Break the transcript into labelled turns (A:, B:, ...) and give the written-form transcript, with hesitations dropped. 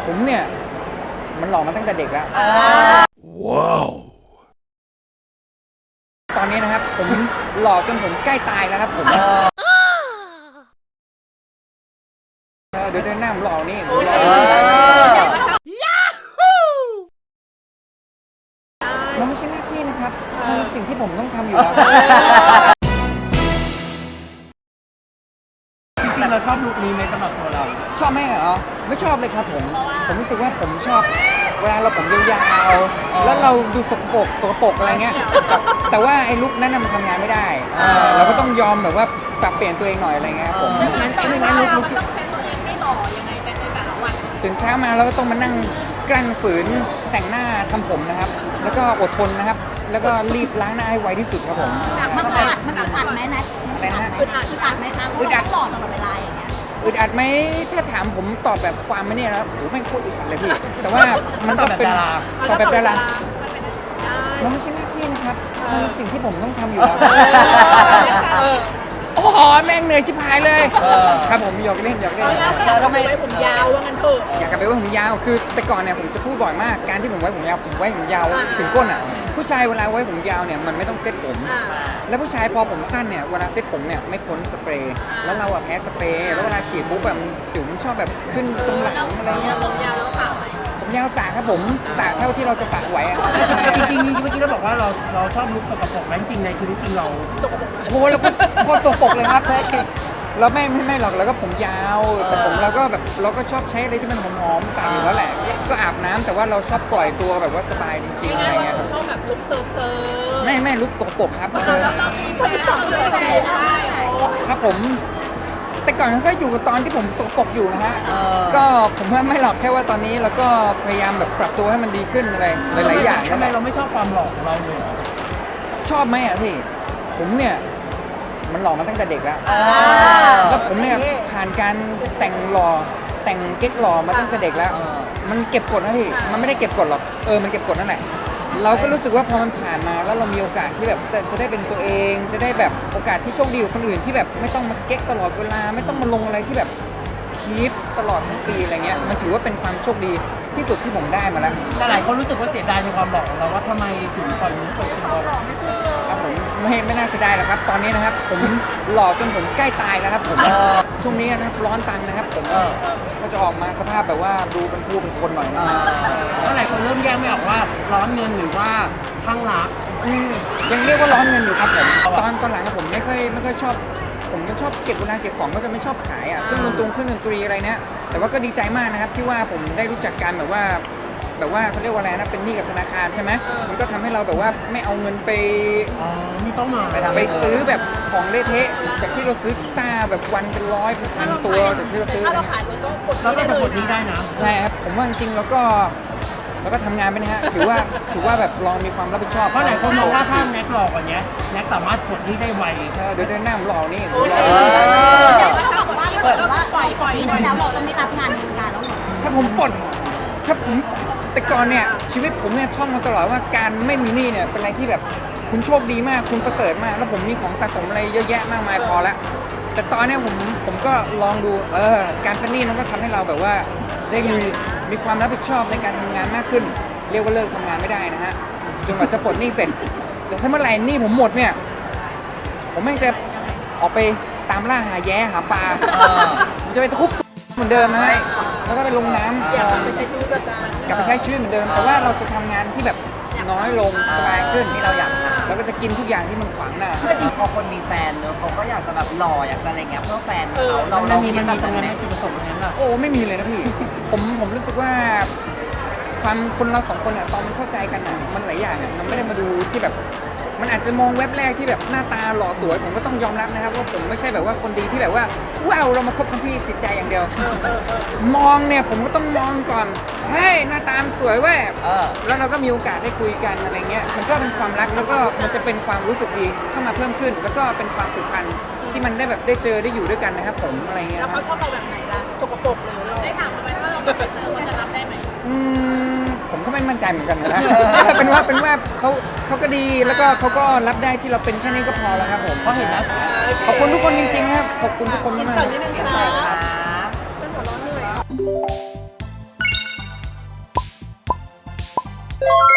A: ผมเนี่ยมันหล่อมาตั้งแต่เด็กแล้วว้าวตอนนี้นะครับผมหล่อจนผมใกล้ตายแล้วครับผมเดี๋ยวเดินหน้าผมหล่อนี่มันไม่ใช่หน้าที่นะครับมันเป็นสิ่งที่ผมต้องทำอยู่แล้ว
B: จริงๆเราชอบลุคนี้ไหมสำหรับตัวเรา
A: ชอบไหมเหรอไม่ชอบเลยครับผมรู้สึกว่าผมชอบเวลาเราผมยาวๆแล้วเราดูสกปรกอะไรเงี้ยแต่ว่าไอ้ลุคนั้นมันทำงานไม่ได้เราก็ต้องยอมแบบว่าปรับเปลี่ยนตัวเองหน่อยอะไรเงี้ยผม
C: งั้นลุคต้องเซ็ตตัวเองให้หล่อยังไงแต่ในแต่ละวัน
A: ตื่นเช้ามาเราก็ต้องมานั่งกลั้นฝืนแต่งหน้าทำผมนะครับแล้วก็อดทนนะครับแล้วก็รีบล้างหน้าให้ไวที่สุดครับผม
D: มันอึดอัดไหมนะ
A: อะไรนะ
D: อึดอัดไหมคะเพราะเราหล่อตลอดเวลาอย่างเงี้ย
A: อึดอัดไหมถ้าถามผมตอบแบบความไม่เนี่ยนะโหแม่งโคตรอึดอัดเลยพี่แต่ว่ามันก็เป็นตอบแบบดารามันไม่ใช่หน้าที่นะครับมันเป็นสิ่งที่ผมต้องทำอยู่แล้วโอ้โหแม่งเหนื่อยชิบหายเลยครับผมหยอกเล่น
C: เราทำไมไว้ผมยาวว่างั้นเถอะ
A: อยากกลับไปไว้ผมยาวคือแต่ก่อนเนี่ยผมจะพูดบ่อยมากการที่ผมไว้ผมยาวถึงก้นอ่ะผู้ชายเวลาไว้ผมยาวเนี่ยมันไม่ต้องเซ็ตผมแล้วผู้ชายพอผมสั้นเนี่ยเวลาเซ็ตผมเนี่ยไม่พ้นสเปรย์แล้วเราอะแพ้สเปรย์แล้วเวลาฉีดปุ๊บแบบสิวมันชอบแบบขึ้นตรงหลังอะไรเงี้ย
C: ผมยาวแล้วสาวไหม
A: ผมยาวสระครับผมสระเท่าที่เราจะสระไหวอะ
B: จริงๆเมื่อกี้เราบอกว่าเราชอบลุคสกปรกไหมจริงในชีวิตจริงเรา
A: โอ้โหแล้วโคตรสกปรกเลยครับเราไม่หรอกแล้วก็ผมยาวแต่ผมเราก็แบบเราก็ชอบใช้อะไรที่มันหอมๆตามอยู่แล้วแหละก็อาบน้ำแต่ว่าเราชอบปล่อยตัวแบบว่าสบายจริงๆอะไรเงี้ย
C: ชอบแบบลุคเซอร์
A: ไม่ลุกสกปรกครับครับผมแต่ก่อนก็อยู่ตอนที่ผมสกปรกอยู่นะฮะก็ผมว่าไม่หรอกแค่ว่าตอนนี้เราก็พยายามแบบปรับตัวให้มันดีขึ้นอะไรหลายๆอย่าง
B: ทำไมเราไม่ชอบความหล่อของเราเลย
A: ชอบไหมอ่ะพี่ผมเนี่ยมันหล่อมาตั้งแต่เด็กแล้วแล้วผมเนี่ยผ่านการแต่งหล่อแต่งเก๊กหล่อมาตั้งแต่เด็กแล้วมันเก็บกดนะพี่มันไม่ได้เก็บกดหรอกมันเก็บกดนั่นแหละเราก็รู้สึกว่าพอมันผ่านมาแล้วเรามีโอกาสที่แบบจะได้เป็นตัวเองจะได้แบบโอกาสที่โชคดีกว่าคนอื่นที่แบบไม่ต้องมาเก๊กตลอดเวลาไม่ต้องมาลงอะไรที่แบบคีปตลอดทั้งปีอะไรเงี้ยมันถือว่าเป็นความโชคดีที่สุดที่ผมได้มาแล้ว
B: แต่หลายคนรู้สึกว่าเสียดายในความหล่อของเราว่าทำไมถึงปล่อยลุคสกปรก
A: ครับผมไม่น่าเสียดายหรอกครับตอนนี้นะครับผมหล่อจนผมใกล้ตายแล้วครับผมช่วงนี้นะครับร้อนตังนะครับผมก็จะออกมาสภาพแบบว่าดูเป็นผู้เป็นคนหน่อยนะ
B: หลายคนเริ่มแยกไม่ออกว่าร้อนเงินหรือว่าข้างรัก
A: ยังเรียกว่าร้อนเงินอยู่ครับผมตอนหลังผมไม่ค่อยชอบผมชอบเก็บเวลาเก็บของก็จะไม่ชอบขายเครื่องดนตรีอะไรเนี่ยแต่ว่าก็ดีใจมากนะครับที่ว่าผมได้รู้จักกันแบบว่าเขาเรียกว่าอะไรนะเป็นหนี้กับธนาคารใช่ไหมมันก็ทำให้เราแบบว่าไม่เอาเงินไป
B: ไม่ต้องมา
A: ไปซื้อแบบของเละเทะจากที่เราซื้อกีตาร์แบบวันเป็น100เป็นพันตัวจากที่เราซื้อ
C: ถ้าเราขาย
B: เราก็จะปลดหนี้ได้นะ
A: ใช่ครับผมว่าจริงๆแล้วก็ทำงานไปนะฮะถือว่าแบบลองมีความรับผิดชอบ
B: เพราะหลายคนมองว่าถ้าแน็กหล่อกว่านี้แน็กสามารถปลดหนี้ได้ไว
A: เดี๋ยวเดินหน้าผมหล่อนี่
D: เปิดว่าปล่อยแล้วเราจะไม่รับงานแล้วหรอ
A: ถ้าผมแต่ก่อนเนี่ยชีวิตผมเนี่ยท่องมาตลอดว่าการไม่มีหนี้เนี่ยเป็นอะไรที่แบบคุณโชคดีมากคุณประเสริฐมากแล้วผมมีของสะสมอะไรเยอะแยะมากมายพอแล้วแต่ตอนนี้ผมก็ลองดูการเป็นหนี้มันก็ทำให้เราแบบว่าได้มีความรับผิดชอบในการทำงานมากขึ้นเรียกว่าเลิกทำงานไม่ได้นะฮะจนกว่าจะปลดหนี้เสร็จแต่ถ้าเมื่อไหร่หนี้ผมหมดเนี่ยผมแม่งจะออกไปตามล่าหาแย้หาปลาผมจะไปตะคุบเหมือนเดิมนะฮะแล้วก็ไปลงน้ำ
C: กลับไปใช้ชีวิตประจำ
A: กลับไปใช้ชีวิตเหมือนเดิมแต่ว่าเราจะทำงานที่แบบน้อยลงสบายขึ้น
E: ที่เราอยากทำ
A: แล้วก็จะกินทุกอย่างที่มันขวางหน้า
E: พอคนมีแฟนเนอะเขาก็อยากจะแบบหล่ออยากจะอะไรเงี้ยเพื่อแฟนเขาเรา
B: มี
E: คิดแบบ
B: ตรง
E: นั้นไหม
B: จุดประสงค์นั้น
A: โอ้ไม่มีเลยนะพี่ผมรู้สึกว่าความคนเราสองคนเนี่ยตอนมันเข้าใจกันอ่ะมันหลายอย่างมันไม่ได้มาดูที่แบบมันอาจจะมองเว็บแรกที่แบบหน้าตาหล่อสวยผมก็ต้องยอมรับนะครับว่าผมไม่ใช่แบบว่าคนดีที่แบบว่าว้าวเรามาคบกันที่จิตใจอย่างเดียวมองเนี่ยผมก็ต้องมองก่อนเฮ้ยหน้าตาสวยเว้ยแล้วเราก็มีโอกาสได้คุยกันอะไรเงี้ยมันก็เป็นความรักแล้วก็มันจะเป็นความรู้สึกดีเข้ามาเพิ่มขึ้นแล้วก็เป็นความผูกพันที่มันได้แบบได้เจอได้อยู่ด้วยกันนะครับผมอะไรเงี้ย
C: แล้วเขาชอบเราแบบไหนล่ะสกปรกหรือเราได้ถามเขาไหมว่าเราไปซื้อเขาจะรับได้ไหม
A: ผมก็ไม่มั่นใจเหมือนกันนะเป็นว่าเขาก็ดีแล้วก็เขาก็รับได้ที่เราเป็นแค่นี้ก็พอแล้วครับผม
B: เพราะเห็นนะ
A: ขอบคุณทุกคนจริงๆครับขอบคุณทุกคนมาก
C: ๆครับ
A: อ